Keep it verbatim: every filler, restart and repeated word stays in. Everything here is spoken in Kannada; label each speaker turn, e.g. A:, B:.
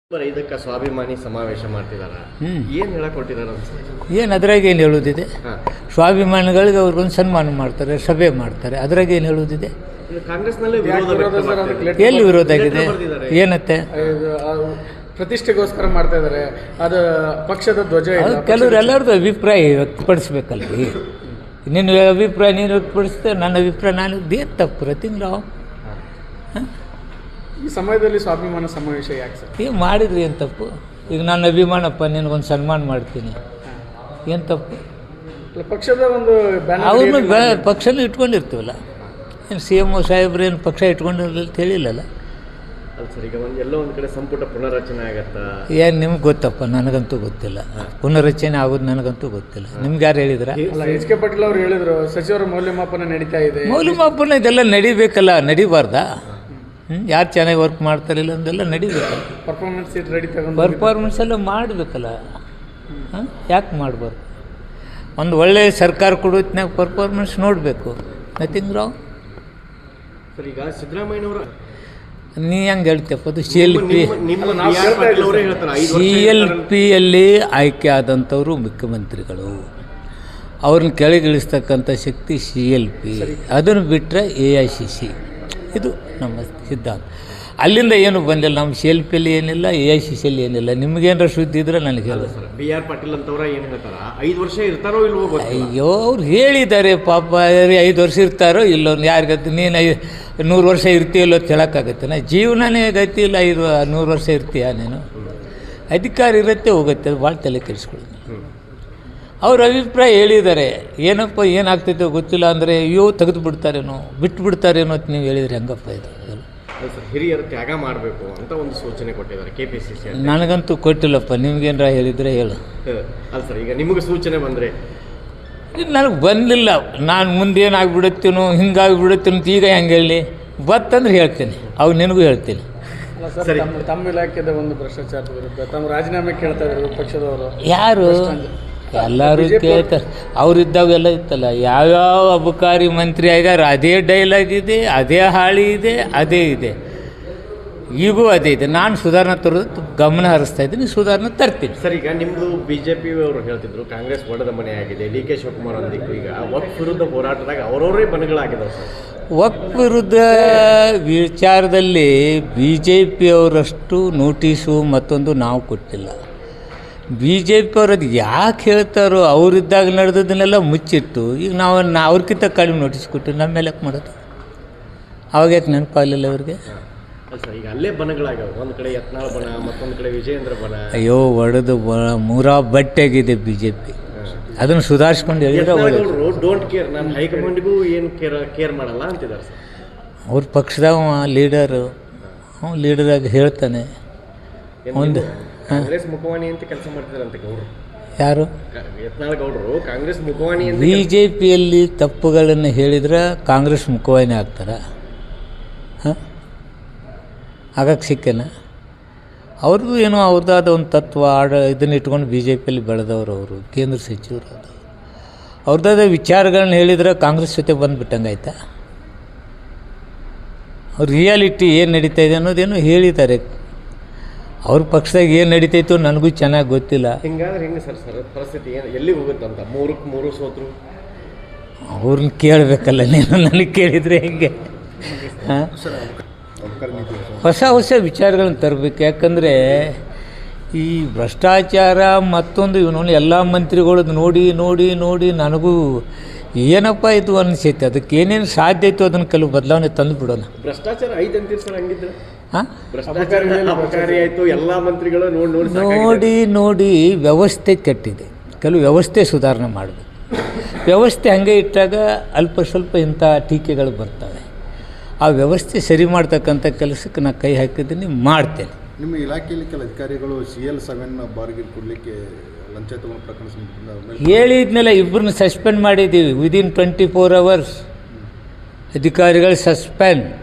A: ಇದಕ್ಕೆ ಸ್ವಾಭಿಮಾನಿ ಸಮಾವೇಶ ಮಾಡ್ತಿದಾರ ಏನು ಹೇಳಕ್ ಕೊಟ್ಟಿದ್ದಾರೆ ಅನ್ಸುತ್ತೆ?
B: ಏನು ಅದ್ರಾಗ ಏನು ಹೇಳೋದಿದೆ? ಸ್ವಾಭಿಮಾನಿಗಳಿಗೆ ಅವ್ರಿಗೊಂದು ಸನ್ಮಾನ ಮಾಡ್ತಾರೆ, ಸಭೆ ಮಾಡ್ತಾರೆ, ಅದ್ರಾಗ ಏನು ಹೇಳೋದಿದೆ?
A: ಕಾಂಗ್ರೆಸ್ನಲ್ಲಿ
B: ಎಲ್ಲಿ ವಿರೋಧ ಆಗಿದೆ? ಏನತ್ತೆ
C: ಪ್ರತಿಷ್ಠೆಗೋಸ್ಕರ ಮಾಡ್ತಾ ಇದ್ದಾರೆ, ಅದು ಪಕ್ಷದ ಧ್ವಜ.
B: ಕೆಲವ್ರು ಎಲ್ಲರದ್ದು ಅಭಿಪ್ರಾಯ ವ್ಯಕ್ತಪಡಿಸ್ಬೇಕಲ್ರಿ. ನಿನ್ನ ಅಭಿಪ್ರಾಯ ನೀನು ವ್ಯಕ್ತಪಡಿಸ್ತೇವೆ, ನನ್ನ ಅಭಿಪ್ರಾಯ ನಾನು ಏನು ತಪ್ಪು ರತಿಂಗ್ ರಾವ್.
C: ಈ ಸಮಯದಲ್ಲಿ ಸ್ವಾಭಿಮಾನ ಸಮಾವೇಶ ಯಾಕೆ ಸರ್?
B: ಈಗ ಮಾಡಿದ್ರಿ ಏನು ತಪ್ಪು? ಈಗ ನನ್ನ ಅಭಿಮಾನಪ್ಪ ನಿನಗೊಂದು ಸನ್ಮಾನ ಮಾಡ್ತೀನಿ, ಏನು ತಪ್ಪು?
C: ಪಕ್ಷದ ಒಂದು
B: ಅವ್ರನ್ನ ಬ ಪಕ್ಷನೂ ಇಟ್ಕೊಂಡಿರ್ತೀವಲ್ಲ. ಏನು ಸಿ ಎಮ್ ಒ ಸಾಹೇಬ್ರು ಏನು ಪಕ್ಷ ಇಟ್ಕೊಂಡಿರಲಿಲ್ಲ ಅಂತ ಹೇಳಿಲ್ಲಲ್ಲ.
A: ಅದು ಸರ್, ಈಗ ಒಂದು ಎಲ್ಲೋ ಒಂದು ಕಡೆ ಸಂಪುಟ ಪುನರ್ರಚನೆ ಆಗತ್ತಾ?
B: ಏನು ನಿಮ್ಗೆ ಗೊತ್ತಪ್ಪ, ನನಗಂತೂ ಗೊತ್ತಿಲ್ಲ. ಪುನರ್ರಚನೆ ಆಗೋದು ನನಗಂತೂ ಗೊತ್ತಿಲ್ಲ. ನಿಮ್ಗೆ ಯಾರು ಹೇಳಿದ್ರ?
C: ಎಚ್ ಕೆ ಪಾಟೀಲ್ ಅವರು ಹೇಳಿದ್ರು, ಸಚಿವರ ಮೌಲ್ಯಮಾಪನ ನಡೀತಾ ಇದೆ.
B: ಮೌಲ್ಯಮಾಪನ ಇದೆಲ್ಲ ನಡಿಬೇಕಲ್ಲ, ನಡಿಬಾರ್ದಾ? ಹ್ಞೂ ಯಾರು ಚೆನ್ನಾಗಿ ವರ್ಕ್ ಮಾಡ್ತಾರಿಲ್ಲ ಅಂದೆಲ್ಲ ನಡಿಬೇಕಲ್ಲ.
C: ಪರ್ಫಾರ್ಮೆನ್ಸ್ ರೆಡಿ ತಗೊಂಡು
B: ಪರ್ಫಾರ್ಮೆನ್ಸ್ ಎಲ್ಲ ಮಾಡಬೇಕಲ್ಲ. ಹಾಂ, ಯಾಕೆ ಮಾಡಬಾರ್ದು? ಒಂದು ಒಳ್ಳೆಯ ಸರ್ಕಾರ ಕೊಡೋತ್ನಾಗ ಪರ್ಫಾರ್ಮೆನ್ಸ್ ನೋಡಬೇಕು. ನಥಿಂಗ್ ರಾವ್.
A: ಸರ್, ಈಗ ಸಿದ್ದರಾಮಯ್ಯನವರು
B: ನೀ ಹೆಂಗೆ ಹೇಳ್ತಪ್ಪ? ಅದು C L P C L ಪಿಯಲ್ಲಿ ಆಯ್ಕೆ ಆದಂಥವರು ಮುಖ್ಯಮಂತ್ರಿಗಳು. ಅವ್ರನ್ನ ಕೆಳಗಿಳಿಸ್ತಕ್ಕಂಥ ಶಕ್ತಿ ಸಿ ಎಲ್ ಪಿ. ಅದನ್ನು ಬಿಟ್ಟರೆ ಎ ಐ ಸಿ ಸಿ. ಇದು ನಮ್ಮ ಸಿದ್ಧಾಂತ. ಅಲ್ಲಿಂದ ಏನು ಬಂದಿಲ್ಲ. ನಮ್ಮ ಸಿ ಎಲ್ ಪಿಯಲ್ಲಿ ಏನಿಲ್ಲ, ಎ ಐ ಸಿ ಸಿಯಲ್ಲಿ ಏನಿಲ್ಲ. ನಿಮಗೇನಾರ ಸುದ್ದಿ ಇದ್ರೆ ನನಗೆ ಹೇಳಿ.
A: ಬಿ ಆರ್ ಪಾಟೀಲ್ ಅಂತವ್ರ ಏನು ಹೇಳ್ತಾರ, ಐದು ವರ್ಷ ಇರ್ತಾರೋ ಇಲ್ವೋ ಗೊತ್ತಿಲ್ಲ.
B: ಅಯ್ಯೋ, ಅವ್ರು ಹೇಳಿದ್ದಾರೆ ಪಾಪ. ಐದು ವರ್ಷ ಇರ್ತಾರೋ ಇಲ್ಲೋ ಯಾರಿಗತ್ತೆ? ನೀನು ಐ ನೂರು ವರ್ಷ ಇರ್ತೀಯಲ್ಲೋ ಅಂತ ಹೇಳೋಕ್ಕಾಗತ್ತೆ? ನಾ ಜೀವನನೇ ಗತಿ ಇಲ್ಲ. ಐದು ನೂರು ವರ್ಷ ಇರ್ತೀಯ ನೀನು? ಅಧಿಕಾರ ಇರುತ್ತೆ, ಹೋಗುತ್ತೆ. ಅದು ಭಾಳ ತಲೆ ಕೆಡಿಸ್ಕೊಳ್ಳಿ. ಅವ್ರ ಅಭಿಪ್ರಾಯ ಹೇಳಿದ್ದಾರೆ. ಏನಪ್ಪ ಏನಾಗ್ತೈತೋ ಗೊತ್ತಿಲ್ಲ ಅಂದರೆ ಅಯ್ಯೋ ತೆಗೆದು ಬಿಡ್ತಾರೇನೋ, ಬಿಟ್ಟು ಬಿಡ್ತಾರೇನೋ ಅಂತ ನೀವು ಹೇಳಿದರೆ ಹೆಂಗಪ್ಪ ಇದು?
A: ಹಿರಿಯರು ತ್ಯಾಗ ಮಾಡಬೇಕು ಅಂತ ಒಂದು ಸೂಚನೆ ಕೊಟ್ಟಿದ್ದಾರೆ ಕೆ ಪಿ ಸಿ ಸಿ.
B: ನನಗಂತೂ ಕೊಟ್ಟಿಲ್ಲಪ್ಪ. ನಿಮ್ಗೇನಾರ ಹೇಳಿದರೆ ಹೇಳು.
A: ಅಲ್ಲ ಸರ್, ಈಗ ನಿಮಗೆ ಸೂಚನೆ ಬಂದರೆ?
B: ನನಗೆ ಬಂದಿಲ್ಲ. ನಾನು ಮುಂದೇನಾಗ್ಬಿಡುತ್ತೀನೋ, ಹಿಂಗಾಗಿಬಿಡುತ್ತೀನೋ ಅಂತ ಈಗ ಹೆಂಗೆ ಹೇಳಿ? ಬತ್ತಂದ್ರೆ ಹೇಳ್ತೀನಿ, ಅವು ನಿನಗೂ ಹೇಳ್ತೀನಿ.
C: ಸರಿ, ತಮ್ಮ ಇಲಾಖೆದ ಒಂದು ಭ್ರಷ್ಟಾಚಾರದ ವಿರುದ್ಧ ತಮ್ಮ ರಾಜೀನಾಮೆ ಕೇಳ್ತಾ ಇದ್ದಾರೆ ಪಕ್ಷದವರು.
B: ಯಾರು? ಎಲ್ಲರೂ ಕೇಳ್ತಾರೆ. ಅವರಿದ್ದಾಗ ಎಲ್ಲ ಇತ್ತಲ್ಲ. ಯಾವ್ಯಾವ ಅಬಕಾರಿ ಮಂತ್ರಿ ಆಗ್ಯಾರ ಅದೇ ಡೈಲಾಗ್ ಇದೆ, ಅದೇ ಹಾಳಿ ಇದೆ, ಅದೇ ಇದೆ. ಈಗೂ ಅದೇ ಇದೆ. ನಾನು ಸುಧಾರಣೆ ತರೋದು ಗಮನ ಹರಿಸ್ತಾ ಇದ್ದೀನಿ, ಸುಧಾರಣೆ ತರ್ತೀನಿ.
A: ಸರ್, ಈಗ ನಿಮ್ಮದು ಬಿ ಜೆ ಪಿ ಅವರು ಹೇಳ್ತಿದ್ರು ಕಾಂಗ್ರೆಸ್ ಒಡೆದ ಮನೆ ಆಗಿದೆ, ಡಿ ಕೆ ಶಿವಕುಮಾರ್ ಅಂದಿತ್ತು. ಈಗ ವಕ್ಫ್ ವಿರುದ್ಧ ಹೋರಾಟದಾಗ ಅವರವರೇ ಬಣಗಳಾಗಿದ್ದಾವೆ ಸರ್.
B: ವಕ್ಫ್ ವಿರುದ್ಧ ವಿಚಾರದಲ್ಲಿ ಬಿ ಜೆ ಪಿಯವರಷ್ಟು ನೋಟಿಸು ಮತ್ತೊಂದು ನಾವು ಕೊಟ್ಟಿಲ್ಲ. ಬಿ ಜೆ ಪಿಯವ್ರು ಅದು ಯಾಕೆ ಹೇಳ್ತಾರೋ, ಅವರಿದ್ದಾಗ ನಡೆದದನ್ನೆಲ್ಲ ಮುಚ್ಚಿಟ್ಟು ಈಗ ನಾವು ನಾ ಅವ್ರಿಗಿಂತ ಕಡಿಮೆ ನೋಟಿಸ್ ಕೊಟ್ಟು ನಮ್ಮ ಮೇಲೆ ಯಾಕೆ ಮಾಡೋದು? ಅವಾಗ ಯಾಕೆ ನೆನಪಾಗಲಿಲ್ಲ ಅವ್ರಿಗೆ?
A: ಸರ್, ಈಗ ಅಲ್ಲೇ ಬಣಗಳಾಗ್ಯಾವ. ಒಂದು ಕಡೆ ಯತ್ನಾಳ್ ಬಣ, ಮತ್ತೊಂದು ಕಡೆ ವಿಜಯೇಂದ್ರ ಬಣ.
B: ಅಯ್ಯೋ, ಒಡೆದು ಬ ಮೂರಾ ಬಟ್ಟೆಗಿದೆ ಬಿ ಜೆ ಪಿ. ಅದನ್ನು ಸುಧಾರಿಸ್ಕೊಂಡು ಹೇಳಿದ್ರೆ
A: ಡೋಂಟ್ ಕೇರ್, ನಾನು ಹೈಕಮಾಂಡ್ಗೂ ಏನು ಕೇರ್ ಕೇರ್ ಮಾಡಲ್ಲ ಅಂತಿದ್ದಾರೆ ಸರ್.
B: ಅವ್ರ ಪಕ್ಷದಾಗ ಲೀಡರು, ಅವ್ನು ಲೀಡರಾಗಿ ಹೇಳ್ತಾನೆ. ಒಂದು
A: ಕಾಂಗ್ರೆಸ್ ಮುಖವಾಣಿ ಅಂತ ಕೆಲಸ ಮಾಡ್ತಿದಾರಂತೆ ಗೌಡ್ರು.
B: ಯಾರು?
A: ಯತ್ನಾಳ್ ಗೌಡರು ಕಾಂಗ್ರೆಸ್ ಮುಖವಾಣಿ ಅಂತ.
B: ಬಿ ಜೆ ಪಿಯಲ್ಲಿ ತಪ್ಪುಗಳನ್ನು ಹೇಳಿದ್ರೆ ಕಾಂಗ್ರೆಸ್ ಮುಖವಾಣಿ ಆಗ್ತಾರೆ. ಹಾಂ, ಆಗಕ್ಕೆ ಸಿಕ್ಕೇನ? ಅವ್ರದ್ದು ಏನೋ ಅವ್ರದ್ದಾದ ಒಂದು ತತ್ವ ಆಡ ಇದನ್ನು ಇಟ್ಕೊಂಡು ಬಿ ಜೆ ಪಿಯಲ್ಲಿ ಬೆಳೆದವರು. ಅವರು ಕೇಂದ್ರ ಸಚಿವರು. ಅದು ಅವ್ರದ್ದಾದ ವಿಚಾರಗಳನ್ನ ಹೇಳಿದ್ರೆ ಕಾಂಗ್ರೆಸ್ ಜೊತೆ ಬಂದುಬಿಟ್ಟಂಗೆ ಆಯ್ತಾ? ಅವ್ರ ರಿಯಾಲಿಟಿ ಏನು ನಡೀತಾ ಇದೆ ಅನ್ನೋದೇನೋ ಹೇಳಿದ್ದಾರೆ. ಅವ್ರ ಪಕ್ಷದಾಗ ಏನು ನಡೀತೈತೋ ನನಗೂ ಚೆನ್ನಾಗಿ ಗೊತ್ತಿಲ್ಲ.
A: ಹಿಂಗಾದ್ರೆ ಹೆಂಗೆ ಸರ್ ಸರ್ ಪರಿಸ್ಥಿತಿ ಏನು ಎಲ್ಲಿಗೆ ಹೋಗುತ್ತಂತ? ಮೂರಕ್ಕೆ ಮೂರು ಸೋತರು.
B: ಅವ್ರನ್ನ ಕೇಳಬೇಕಲ್ಲ ನೀನು, ನನಗೆ ಕೇಳಿದರೆ ಹೆಂಗೆ? ಹಾಂ, ಹೊಸ ಹೊಸ ವಿಚಾರಗಳನ್ನ ತರಬೇಕು. ಯಾಕಂದರೆ ಈ ಭ್ರಷ್ಟಾಚಾರ ಮತ್ತೊಂದು ಇವನು ಎಲ್ಲ ಮಂತ್ರಿಗಳದ್ದು ನೋಡಿ ನೋಡಿ ನೋಡಿ ನನಗೂ ಏನಪ್ಪ ಇದು ಅನಿಸೈತೆ. ಅದಕ್ಕೆ ಏನೇನು ಸಾಧ್ಯ ಇತ್ತು ಅದನ್ನು ಕೆಲವು ಬದಲಾವಣೆ ತಂದು ಬಿಡೋಣ.
A: ಭ್ರಷ್ಟಾಚಾರ ಐದು ಅಂತೀರಿ ಸರ್, ಹಂಗಿದ್ರೆ?
B: ಹಾಂ,
A: ಭ್ರಷ್ಟಾಚಾರ ಅಪಕಾರಿ ಆಯಿತು. ಎಲ್ಲ ಮಂತ್ರಿಗಳು ನೋಡಿ ನೋಡಿ
B: ನೋಡಿ ನೋಡಿ ವ್ಯವಸ್ಥೆ ಕೆಟ್ಟಿದೆ. ಕೆಲವು ವ್ಯವಸ್ಥೆ ಸುಧಾರಣೆ ಮಾಡಬೇಕು. ವ್ಯವಸ್ಥೆ ಹಾಗೆ ಇಟ್ಟಾಗ ಅಲ್ಪ ಸ್ವಲ್ಪ ಇಂಥ ಟೀಕೆಗಳು ಬರ್ತವೆ. ಆ ವ್ಯವಸ್ಥೆ ಸರಿ ಮಾಡ್ತಕ್ಕಂಥ ಕೆಲಸಕ್ಕೆ ನಾನು ಕೈ ಹಾಕಿದ್ದೀನಿ, ಮಾಡ್ತೇನೆ.
D: ನಿಮ್ಮ ಇಲಾಖೆಯಲ್ಲಿ ಕೆಲ ಅಧಿಕಾರಿಗಳು ಸಿ ಎಲ್ ಸೆವೆನ್ ಬಾರ್ಗೆ ಕೊಡಲಿಕ್ಕೆ ಲಂಚ ತಗೊಂಡು ಪ್ರಕರಣ
B: ಹೇಳಿದ್ಮೇಲೆ ಇಬ್ಬರನ್ನ ಸಸ್ಪೆಂಡ್ ಮಾಡಿದ್ದೀವಿ. ವಿದಿನ್ ಟ್ವೆಂಟಿ ಫೋರ್ ಅವರ್ಸ್ ಅಧಿಕಾರಿಗಳು ಸಸ್ಪೆಂಡ್.